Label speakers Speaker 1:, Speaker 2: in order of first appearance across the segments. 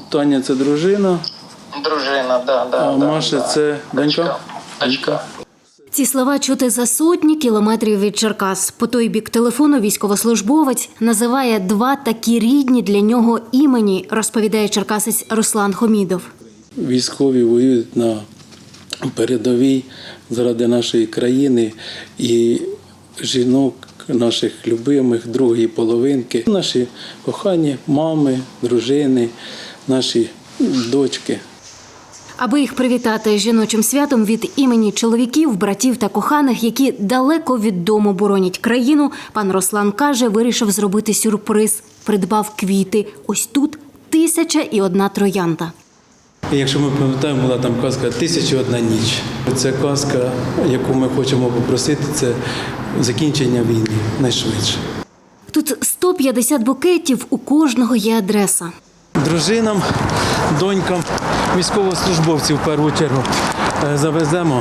Speaker 1: Таня – це дружина,
Speaker 2: Дружина,
Speaker 1: а Маша – це донька?
Speaker 2: Дочка.
Speaker 3: Ці слова чути за сотні кілометрів від Черкас. По той бік телефону військовослужбовець називає два такі рідні для нього імені, розповідає черкасець Руслан Хомідов.
Speaker 1: Військові воюють на передовій заради нашої країни і жінок, наших любимих, другої половинки. Наші кохані мами, дружини, наші дочки.
Speaker 3: Аби їх привітати жіночим святом від імені чоловіків, братів та коханих, які далеко від дому боронять країну, пан Руслан каже, вирішив зробити сюрприз. Придбав квіти. Ось тут 1001 троянда.
Speaker 1: Якщо ми пам'ятаємо, була там казка «1001 ніч». Це казка, яку ми хочемо попросити, це закінчення війни найшвидше.
Speaker 3: Тут 150 букетів, у кожного є адреса.
Speaker 1: Дружинам, донькам, військовослужбовців в першу чергу завеземо,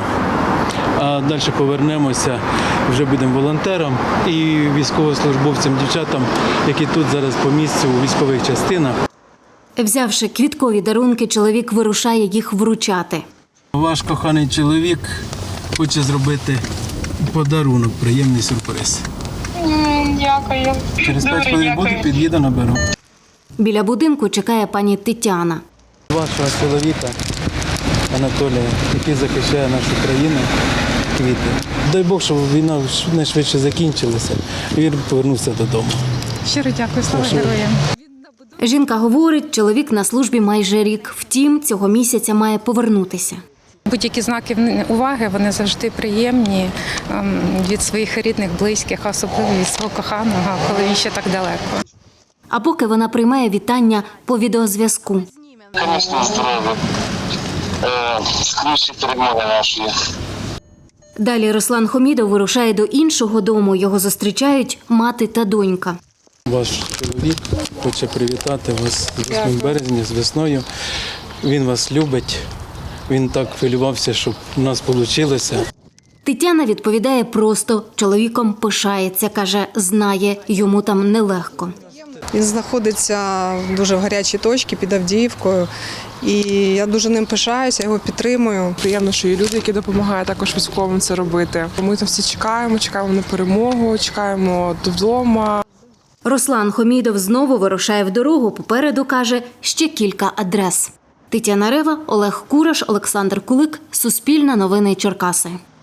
Speaker 1: а далі повернемося, вже будемо волонтерам і військовослужбовцям, дівчатам, які тут зараз по місцю у військових частинах.
Speaker 3: Взявши квіткові дарунки, чоловік вирушає їх вручати.
Speaker 1: Ваш коханий чоловік хоче зробити подарунок, приємний сюрприз.
Speaker 2: Дякую.
Speaker 1: Через 5 хвилин буду, під'їду, наберу.
Speaker 3: Біля будинку чекає пані Тетяна.
Speaker 1: Вашого чоловіка Анатолія, який захищає нашу країну, квіти. Дай Бог, щоб війна найшвидше закінчилася і він повернувся додому.
Speaker 4: Щиро дякую, слава героям.
Speaker 3: Жінка говорить, чоловік на службі майже рік. Втім, цього місяця має повернутися.
Speaker 4: Будь-які знаки уваги, вони завжди приємні від своїх рідних, близьких, а особливо від свого коханого, коли він ще так далеко.
Speaker 3: А поки вона приймає вітання по відеозв'язку.
Speaker 2: Звісно, здоров'я. Скрізь перемоги наші.
Speaker 3: Далі Руслан Хомідов вирушає до іншого дому. Його зустрічають мати та донька.
Speaker 1: Ваш чоловік хоче привітати вас з 8 березня, з весною. Він вас любить. Він так хвилювався, щоб у нас вийшло.
Speaker 3: Тетяна відповідає просто. Чоловіком пишається, каже, знає, йому там нелегко.
Speaker 5: Він знаходиться дуже в гарячій точці під Авдіївкою. І я дуже ним пишаюся, його підтримую.
Speaker 6: Приємно, що є люди, які допомагають також військовим це робити. Ми там всі чекаємо на перемогу, чекаємо додому.
Speaker 3: Руслан Хомідов знову вирушає в дорогу. Попереду, каже, ще кілька адрес. Тетяна Рева, Олег Кураш, Олександр Кулик. Суспільне новини Черкаси.